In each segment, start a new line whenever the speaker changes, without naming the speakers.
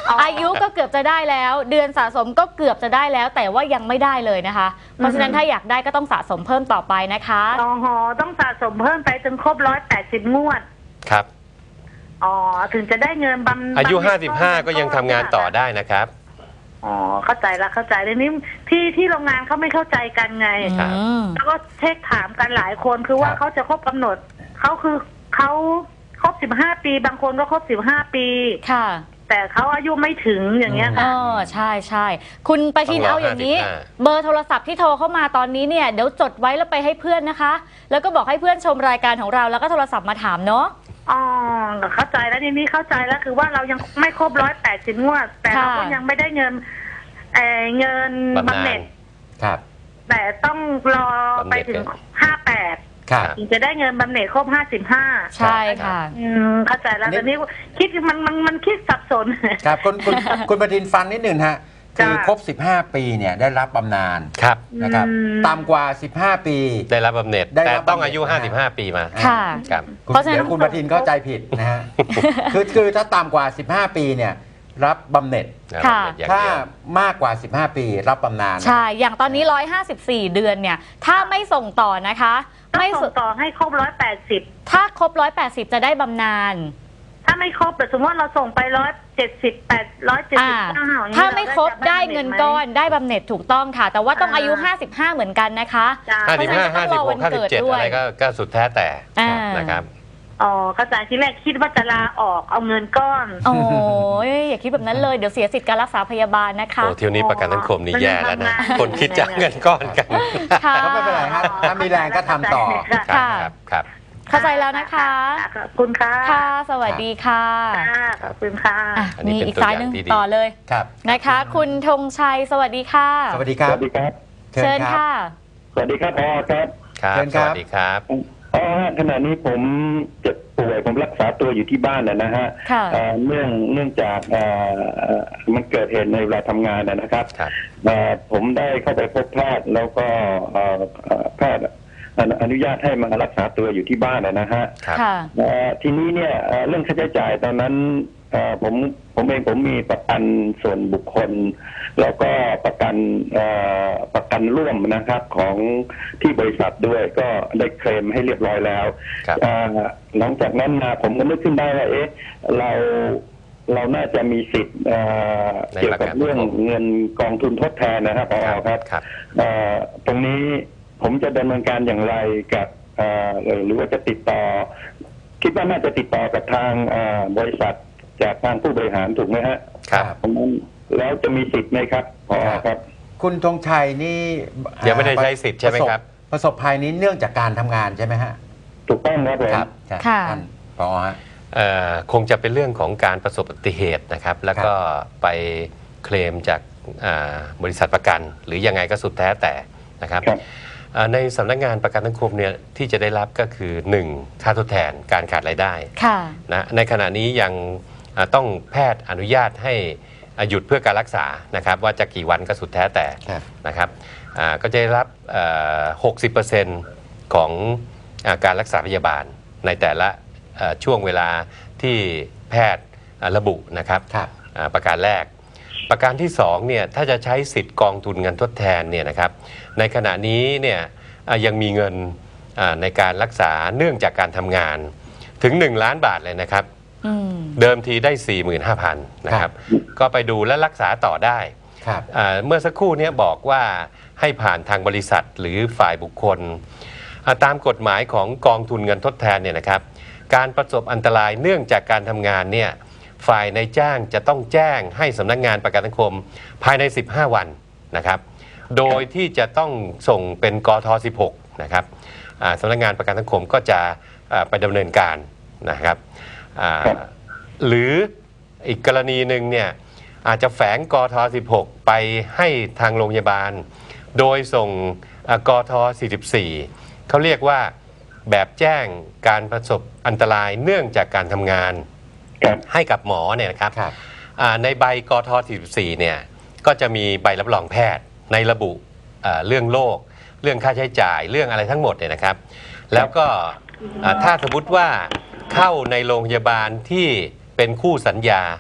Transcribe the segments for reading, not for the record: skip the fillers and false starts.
อายุก็เกือบจะได้แล้วเดือนสะสมก็เกือบจะได้แล้วแต่ว่ายังไม่ได้เลยนะคะเพราะฉะนั้นถ้าอยากได้ก็ต้องสะสมเพิ่มต่อไปนะคะ
อ๋อต้องสะสมเพิ่มไปจนครบ180 งวด
ครับ
อ๋อถึงจะได้เงินบำ
อายุ55ก็ยังทำงานต่อได้นะครับ
อ๋อเข้าใจละเข้าใจเลยนี่ที่โรงงานเขาไม่เข้าใจกันไงแล้วก็เช็คถามกันหลายคนคือว่าเขาจะครบกำหนดเขาคือเขาครบ15 ปีบางคนก็ครบ15 ปีค่ะแต่เขาอายุไม่ถึงอย่างเงี้ยค่ะ
ใช่ใช่คุณประทินเอาอย่างนี้เบอร์โทรศัพท์ที่โทรเข้ามาตอนนี้เนี่ยเดี๋ยวจดไว้แล้วไปให้เพื่อนนะคะแล้วก็บอกให้เพื่อนชมรายการของเราแล้วก็โทรศัพท์มาถามเนาะ
อ๋อเข้าใจแล้วทีนี้เข้าใจแล้วคือว่าเรายังไม่ครบ180 งวดแต่เราก็ยังไม่ได้เงินบำเหน็จ
ครับ
แต่ต้องรอไปถึง58ถึงจะได้เงินบำเหน็จครบ55
ใช่ค่ะ
เข้าใจแล้วแต่นี้คิดมันคิดสับสน
ครับคุณประทินฟังนิดหนึ่งฮะคือครบ15 ปีเนี่ยได้รับบำนาญ
ครับ
นะครับต่ำกว่า15 ปี
ได้รับบำเหน็จแต่ต้องอายุ55 ปีมา
ค่ะ
ครับ
เพราะฉะนั้นคุณประทินเข้าใจผิดนะฮะคือถ้าต่ำกว่า15 ปีเนี่ยรับบำเหน็จถ้ามากกว่า15 ปีรับบำนาญ
ใช่อย่างตอนนี้154 เดือนเนี่ยถ้าไม่ส่งต่อนะคะ
ไม่ส่งต่อให้ครบ180
ถ้าครบ180จะได้บำนาญ
ถ้าไม่ครบแต่สมมติว่าเราส่งไป178 179
ถ้าไม่ครบได้เงินก้อนได้บำเหน็จถูกต้องค่ะแต่ว่าต้องอายุ55เหมือนกันนะคะ
55 56 57อะไรก็สุดแท้แต่นะครับ
อ๋อเข้าใจที่แรกคิดว่าจะลาออกเอาเงินก้อน
โอ้ยอย่าคิดแบบนั้นเลยเดี๋ยวเสียสิทธิ์การรักษาพยาบาลนะคะ
โอ้เที่ยวนี้ประกันสังคมนี่แย่แล้วนะคนคิดจะเงินก้อนกัน
ก็ไม่เป็นไรครับถ้ามีแรงก็ทำต่อ
ครับ
เข้าใจแล้วนะคะ
ขอบคุณค่ะ
ค่ะสวัสดีค่ะ
ขอบคุณค่ะ
มีอีกสายหนึ่งต่อเลยนะคะคุณธงชัยสวัสดีค่ะ
สวัสดีครับ
เชิญค่ะ
สวัสดีครับพ่อครับ
สวัสดีครับ
ขณะนี้ผมเจ็บป่วยผมรักษาตัวอยู่ที่บ้านนะฮะเนื่องจากมันเกิดเหตุในเวลาทำงานนะครับผมได้เข้าไปพบแพทย์แล้วก็แพทย์อนุญาตให้มารักษาตัวอยู่ที่บ้านนะฮะทีนี้เนี่ยเรื่องค่าใช้จ่ายตอนนั้นผมเองผมมีประกันส่วนบุคคลแล้วก็ประกันร่วมนะครับของที่บริษัทด้วยก็ได้เคลมให้เรียบร้อยแล้วหลังจากนั้นมาผมก็นึกขึ้นได้ว่าเราน่าจะมีสิทธิ์เกี่ยวกับเรื่องเงินกองทุนทดแทนนะครับครับตรงนี้ผมจะดำเนินการอย่างไรกับหรือว่าจะติดต่อคิดว่าน่าจะติดต่อกับทางบริษัทจากทางผู้บริหารถูกไหมฮะ
ครับ
แล้วจะมีสิทธิ์ไหมครับพอครับ
คุณธงชัยนี่
ยังไม่ได้ใช้สิทธิ์ใช่ไหมครับ
ประสบภัยนี้เนื่องจากการทำงานใช่ไหมฮะ
ถูกต้อง
ครับท่านพอฮะ
คงจะเป็นเรื่องของการประสบอุบัติเหตุนะครับแล้วก็ไปเคลมจากบริษัทประกันหรือยังไงก็สุดแท้แต่นะครับในสำนักงานประกันสังคมเนี่ยที่จะได้รับก็คือ 1. ค่าทดแทนการขาดรายได้นะในขณะนี้ยังต้องแพทย์อนุญาตให้หยุดเพื่อการรักษานะครับว่าจะกี่วันก็สุดแท้แต่นะครับก็จะได้รับ 60% ของการรักษาพยาบาลในแต่ละช่วงเวลาที่แพทย์ระบุนะครับประการแรกประการที่2เนี่ยถ้าจะใช้สิทธิ์กองทุนเงินทดแทนเนี่ยนะครับในขณะนี้เนี่ยยังมีเงินในการรักษาเนื่องจากการทำงานถึง1 ล้านบาทเลยนะครับเดิมทีได้ 45,000 นะครับก็ไปดูและรักษาต่อได้เมื่อสักครู่นี้บอกว่าให้ผ่านทางบริษัทหรือฝ่ายบุคคลตามกฎหมายของกองทุนเงินทดแทนเนี่ยนะครับการประสบอันตรายเนื่องจากการทำงานเนี่ยฝ่ายนายจ้างจะต้องแจ้งให้สำนักงานประกันสังคมภายใน15 วันนะครับโดยที่จะต้องส่งเป็นกท16นะครับสำนักงานประกันสังคมก็จะไปดำเนินการนะครับหรืออีกกรณีหนึ่งเนี่ยอาจจะแฝงกท16ไปให้ทางโรงพยาบาลโดยส่งกท44เขาเรียกว่าแบบแจ้งการประสบอันตรายเนื่องจากการทำงานให้กับหมอเนี่ยนะครับในใบกท44เนี่ยก็จะมีใบรับรองแพทย์ในระบุเรื่องโรคเรื่องค่าใช้จ่ายเรื่องอะไรทั้งหมดเนี่ยนะครับแล้วก็ถ้าสมมติว่าเข้าในโรงพยาบาลที่เป็นคู่สัญญา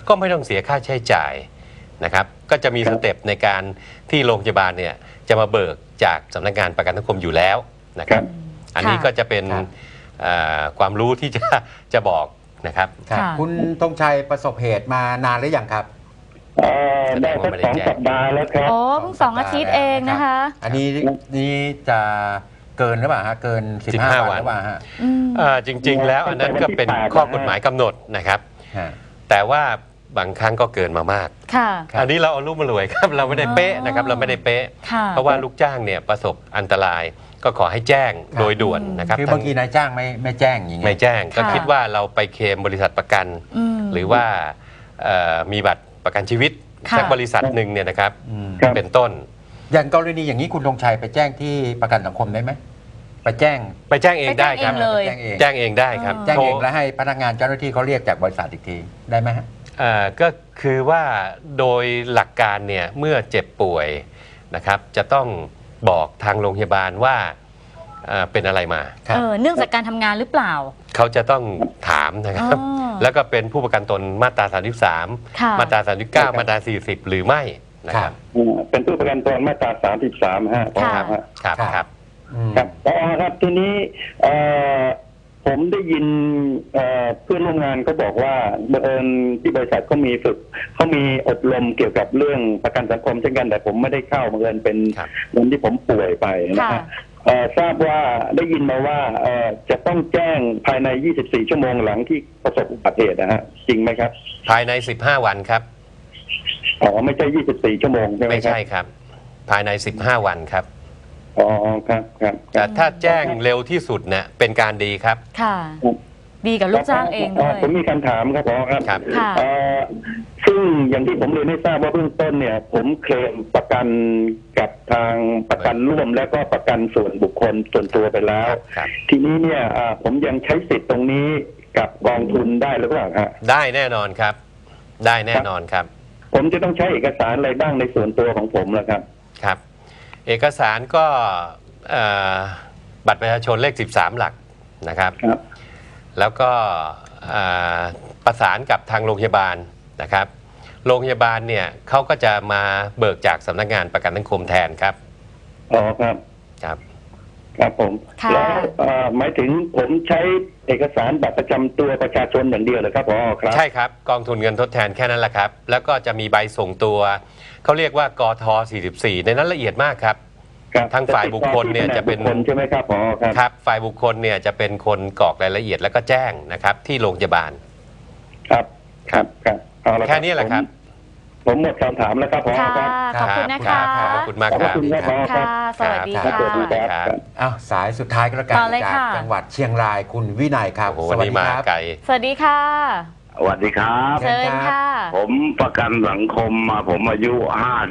ก็ไม่ต้องเสียค่าใช้จ่ายนะครับก็จะมี
ครั
ส
บ
เต็ปในการที่โรงพยาบาลเนี่ยจะมาเบิกจากสำนักงานประกันสังคมอยู่แล้วนะครับอันนี้ก็จะเป็น
ครับ
ความรู้ที่จะบอกนะครับ
ครับ
ค่ะ
คุณธงชัยประสบเหตุมานานหรือยังครับ
ได้สัก2 สัปดาห์แล้วครับ
โอ้เพิ่ง2 อาทิตย์เองนะคะ
อันนี้จะเกินหรือเปล่าฮะเกิน 15 วันหรือเปล่าฮะ
อืม
จริงๆแล้วอันนั้นก็เป็นข้อกฎหมายกำหนดนะครับ
ฮะ
แต่ว่าบางครั้งก็เกินมามาก
ค่ะ
ครับ
อันนี้เราเอารูปมารวยครับ เราไม่ได้เป๊ะนะครับเราไม่ได้เป๊ะ
ค่ะ
เพราะว่าลูกจ้างเนี่ยประสบอันตรายก็ขอให้แจ้งโดยด่วนนะครับ
คือบางทีนายจ้างไม่แจ้งอย่างเงี้ย
ไม่แจ้งก็
ค่ะ
คิดว่าเราไปเคลมบริษัทประกัน
ม
หรือว่ามีบัตรประกันชีวิต
ค่ะ
สักบริษัทหนึ่งเนี่ยนะครับ
อืม
ครับ
เป็นต้น
อย่างกรณีอย่างนี้คุณธงชัยไปแจ้งที่ประกันสังคมได้ไหมไปแจ้ง
ไปแจ้งเองได้ครับ
ไปแจ้งเองเลย
แจ้งเอง
แจ้งเองได้ครับ
แจ้งเอง
โทร
แล้วให้พนักงานเจ้าหน้าที่เขาเรียกจากบริษัทอีกทีได้ไหมฮะ
ก็คือว่าโดยหลักการเนี่ยเมื่อเจ็บป่วยนะครับจะต้องบอกทางโรงพยาบาลว่าเป็นอะไรมา
ครับ
เนื่องจากการทำงานหรือเปล่า
เขาจะต้องถามนะครับ
อ๋อ
แล้วก็เป็นผู้ประกันตนมาตรา
ค่ะ
33 มาตรา 39 มาตรา 40 หรือไม่นะครับ
เป็นผู้ประกันตนมาตรา33ฮะ
ค่ะ
ฮะ
ครับ
ครับ
ครับ
อืม
ครับครับทีนี้ผมได้ยินเพื่อนร่วมงานก็บอกว่าบังเอิญที่บริษัทเขามีฝึกเขามีอบรมเกี่ยวกับเรื่องประกันสังคมเช่นกันแต่ผมไม่ได้เข้าบังเอิญเป็น
ครับ
วันที่ผมป่วยไปนะ
ค่ะ
ฮะทราบว่าได้ยินมาว่าจะต้องแจ้งภายใน 24 ชั่วโมงหลังที่ประสบอุบัติเหตุนะฮะจริงไหมครับ
ภายใน 15 วันครับ
ไม่ใช่ 24 ชั่วโมงใช่ไหม
ไม่
ครับ
ใช่ครับ ภายใน 15 วันครับ
ครับครับ
แต่ถ้าแจ้งเร็วที่สุดเนี่ยเป็นการดีครับ
ค่ะ ดีกับลูกจ้างเองด้วย
ผมมีคำถามครับครับ
ครับ
ค่ะ
ซึ่งอย่างที่ผมเรียนให้ทราบว่าเบื้องต้นเนี่ย ผมเคลมประกันกับทางประกันร่วมแล้วก็ประกันส่วนบุคคลส่วนตัวไปแล้ว
ครับ
ทีนี้เนี่ยผมยังใช้สิทธิ์ตรงนี้กับกองทุนได้หรือเปล่าฮะ
ได้แน่นอนครับ ได้แน่นอนครับ
ผมจะต้องใช้เอกสารอะไรบ้างในส่วนตัวของผมล่ะครับ
ครับ เอกสารก็บัตรประชาชนเลข 13 หลักนะครับ
ครับ
แล้วก็ประสานกับทางโรงพยาบาลนะครับ โรงพยาบาลเนี่ยเขาก็จะมาเบิกจากสำนักงานประกันสังคมแทนครับ
ครับ
ครับ
ครับผม
ค่ะ
แล้วหมายถึงผมใช้เอกสารบัตรประจำตัวประชาชนอย่างเดียวเลยครับครับ
ใช่ครับกองทุนเงินทดแทนแค่นั้นแหละครับ แล้วก็จะมีใบส่งตัวเขาเรียกว่ากท44 ในนั้นละเอียดมากครับ
ครับ
ทางฝ่ายบุคคลเนี่ยจะเป็น
บุคคลใช่ไหมครับครับ
ครับฝ่ายบุคคลเนี่ยจะเป็นคนกรอกรายละเอียดแล้วก็แจ้งนะครับที่โรงพยาบาล
ครับครับเอาละ
แค่นี้แหละครับ
ผมหมดคำถามแล้วครับ
ค่ะ
ครับ
ขอบคุณนะคะ
ขอบคุณมาก
ขอบ
ครับ
คุณครับ
ค่ะ สวัสดี
ครับ
ค่ะ
สวัสดีครับ
อ้าวสายสุดท้ายก็แล้วกัน
ต่อเลย
จาก
ค่ะ
จังหวัดเชียงรายคุณวินัยครับ
โอ้โห
ส
วัน
วัส
นี้
ดี
มา
ครับ
ไกล
สวัสดีค่ะ
สวัสดีครับ
เชิ
เชิ
ญ
ญ
ครับ
ค่ะ
ผมประกันสังคมมาผมอายุ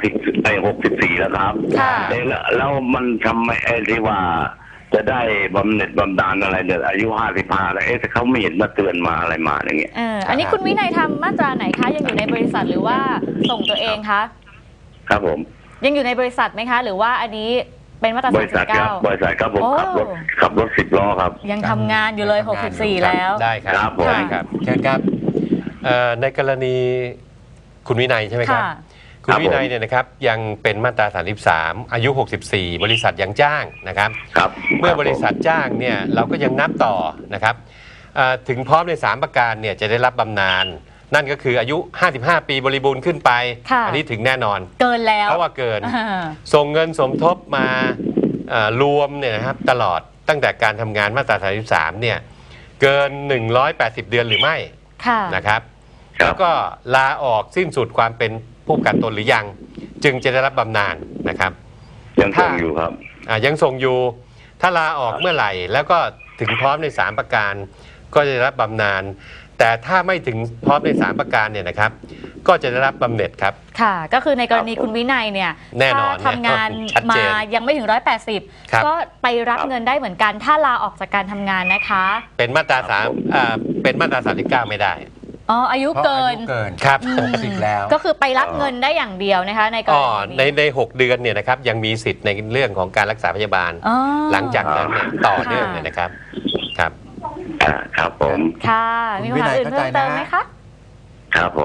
64แล้วครับ
ค่ะ
แล้วมันทำไมที่ว่าจะได้บำเหน็จบำนาญอะไรเนี่ยอายุ55แล้วแต่เขาไม่เห็นมาเตือนมาอะไรมาอย่างเงี้ย
อันนี้คุณวินัยทำมาตราไหนคะ ยังอยู่ในบริษัทหรือว่าส่งตัวเองคะ
ครับผม
ยังอยู่ในบริษัทไหมคะ หรือว่าอันนี้เป็นมาตรา
บริษัทครับบริษัทครับผม
โอ้
ขับรถ10 ล้อครับ
ยังทำงานอยู่เลย 64 แล้ว
ได้ครับ
ครับผม
ได้ครับ
เชิญครับ
ในกรณีคุณวินัยใช่ไหมครับ
ค่ะ
คุณวินัยเนี่ยนะครับยังเป็นมาตรา 33 อายุ 64 บริษัทยังจ้างนะครับ
ครับ
เมื่อบริษัทจ้างเนี่ยเราก็ยังนับต่อนะครับถึงพร้อมใน 3 ประการเนี่ยจะได้รับบำนาญนั่นก็คืออายุ 55 ปีบริบูรณ์ขึ้นไป
ค่ะ
อันี้ถึงแน่นอน
เกินแล้ว
เพราะว่าเกิน
อ่า
ส่งเงินสมทบมารวมเนี่ยนะครับตลอดตั้งแต่การทำงานมาตรา 33 เนี่ยเกิน 180 เดือนหรือไม่
ค่ะ
นะครับ
ครับ
แล้วก็ลาออกสิ้นสุดความเป็นผู้ประกันตนหรือยัง จึงจะได้รับบำนาญนะครับ
ยังส่งอยู่ครับ
ยังส่งอยู่ ถ้าลาออกเมื่อไหร่ แล้วก็ถึงพร้อมใน 3 ประการก็จะได้รับบำนาญแต่ถ้าไม่ถึงพร้อมใน 3 ประการเนี่ยนะครับ ก็จะได้รับบำเหน็จครับ
ค่ะ ก็คือในกรณีคุณวินัยเนี่ย
แน่นอน
ถ้าทำงาน
ชัดเจ
มาน ยังไม่ถึง
ครับ
180 ก็ไปรับเงินได้เหมือนกัน ถ้าลาออกจากการทำงานนะคะ
เป็นมาตราเป็นมาตรา 39 ไม่ได้
อ๋อ อายุ
เพราะ
เกิน
อายุเกิน
ครับ
60แล้ว
ก็คือไปรับเงินได้อย่างเดียวนะคะ ในกร
อ๋อ
ณี
ใน6 เดือนเนี่ยนะครับยังมีสิทธิ์ในเรื่องของการรักษาพยาบาล
อ๋อ
หลังจากนั้นเนี่ยต่อเนื่องเนี่ยนะครับครับ
ครับผม
ค่ะ มีคำถามอื่นเพิ่มเติมไหมคะ
ครับผม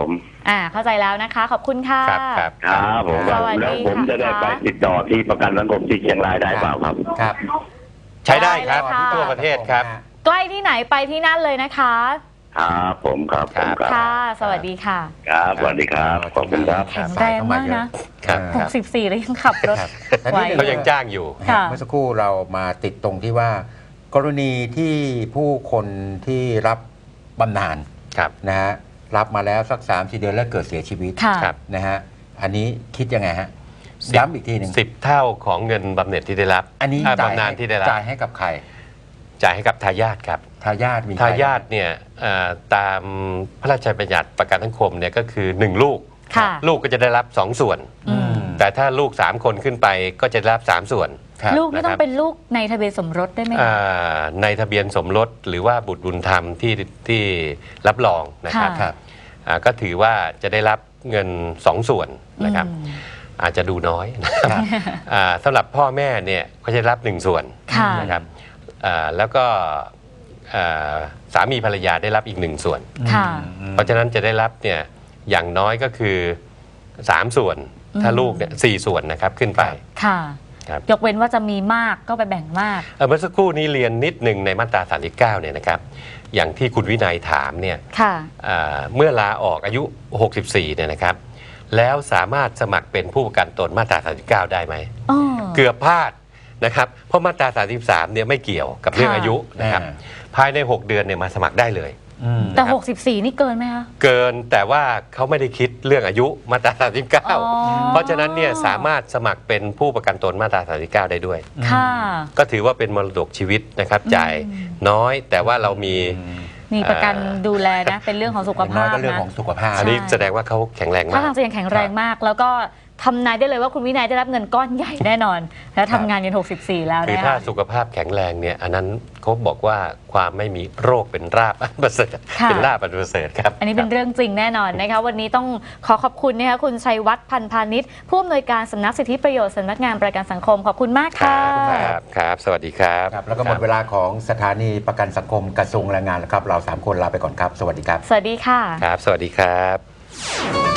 เข้าใจแล้วนะคะ ขอบคุณค่ะ
ครับ
ครับผม
สวัสดี
แล้วผมจะได้
ค่ะ
ไปติดต่อที่ประกันสังคมที่เชียงรายได้เปล่าครับ
ครับ
ใช้ได้ครับ
ได้เลยค่ะ
ทั่วประเทศครับ
ใกล้ที่ไหนไปที่นั่นเลยนะคะ
ครับผมครับผมครับ
ค่ะ สวัสดีค่ะ
ครับสวัสดีครับขอบคุณครับ
แข็งแรงมากนะ
ครับ
64แล้วยังขับรถ
ครับ
ไหว
เขายังจ้างอยู่
ค่ะ
เมื่อสักครู่เรามาติดตรงที่ว่า กรณีที่ผู้คนที่รับบำนาญ
ครับ
นะฮะรับมาแล้วสัก 3-4 เดือนแล้วเกิดเสียชีวิต
ค่ะ
ครับ
นะฮะอันนี้คิดยังไงฮะ
10
ย้ำอีกทีหนึ่ง
10 เท่าของเงินบำเหน็จที่ได้รับ
อันนี้จ่าย
บำนาญที่ได้รับ
จ่ายให้กับใคร
จ่ายให้กับทายาทครับ
ทายาทมีใคร
ทายาทเนี่ยตามพระราชบัญญัติประกันสังคมเนี่ยก็คือ 1 ลูก
ค่ะ
ลูกก็จะได้รับ 2 ส่วน
อืม
แต่ถ้าลูก 3 คนขึ้นไปก็จะได้รับ 3 ส่วน
ครับ
ลูกไม่ต้อ
นะครั
ง
บ
เป็นลูกในทะเบียนสมรสได้ไหมคะ
ในทะเบียนสมรสหรือว่าบุตรบุญธรรมที่รับรองนะครับ
ค่ะ
ครับ
ก็ถือว่าจะได้รับเงิน 2 ส่วนนะครับ
อืม
อาจจะดูน้อยนะครับสำหรับพ่อแม่เนี่ยก็จะได้รับ 1 ส่วน
ค่ะ
นะครับแล้วก็สามีภรรยาได้รับอีก 1 ส่วน
ค่ะ
เพราะฉะนั้นจะได้รับเนี่ยอย่างน้อยก็คือ 3 ส่วน ถ้าลูกเนี่ย4 ส่วนนะครับขึ้นไป
ค่ะ
ครับ
ยกเว้นว่าจะมีมากก็ไปแบ่งมาก
เมื่อสักครู่นี้เรียนนิดหนึ่งในมาตรา 39 เนี่ยนะครับอย่างที่คุณวินัยถามเนี่ย
ค่ะ
เมื่อลาออกอายุ 64 เนี่ยนะครับแล้วสามารถสมัครเป็นผู้ประกันตนมาตรา 39 ได้ไหม
อ๋อ
เกือบพลาดนะครับเพราะมาตรา 33 เนี่ยไม่เกี่ยวกับเรื่อง
ค่ะ
อายุนะครับ
อ่า
ภายใน 6 เดือนเนี่ยมาสมัครได้เลย
แต่
นะครับ
64 นี่เกินไหมคะ
เกินแต่ว่าเขาไม่ได้คิดเรื่องอายุมาตรา
อ๋อ
39 เพราะฉะนั้นเนี่ยสามารถสมัครเป็นผู้ประกันตนมาตรา 39 ได้ด้วย
ค่ะ
ก็ถือว่าเป็นมรดกชีวิตนะครับจ่ายน้อยแต่ว่าเรามี
มีประกันดูแลนะ เป็นเรื่องของสุข
อย่างน้
ภา
อย
พ
ก็เรื่อง
นะ
ของสุขภาพ
อันนี้แสดงว่าเขาแข็งแรงมา
ถ้าก ทางจะยังแข็งแรงมาก แล้วก็ทำนายได้เลยว่าคุณวินัยได้รับเงินก้อนใหญ่แน่นอน แล้วทำงานยัน64 แล้ว
คือ
นะ
ถ้า
คะ
สุขภาพแข็งแรงเนี่ยอันนั้นเขาบอกว่าความไม่มีโรคเป็นราบอันประเสริฐ
ค่ะ
เป็นลาบอันประเสริฐครับ
อันนี้เป็นเรื่องจริงแน่นอนนะคะวันนี้ต้องขอขอบคุณนะคะคุณชัยวัฒน์พันพาณิชย์ผู้อำนวยการสำนักสิทธิประโยชน์สำนักงานประกันสังคมขอบคุณมาก
ครั
ค่ะ
บครับ สวัสดีครับ
ครับแล้วก็หมดเวลาของสถานีประกันสังคมกระทรวงแรงงานแล้วครับ เรา 3 คนลาไปก่อนครับ สวัสดีครับ
สวัสดีค่ะ
ครับ สวัสดีครับ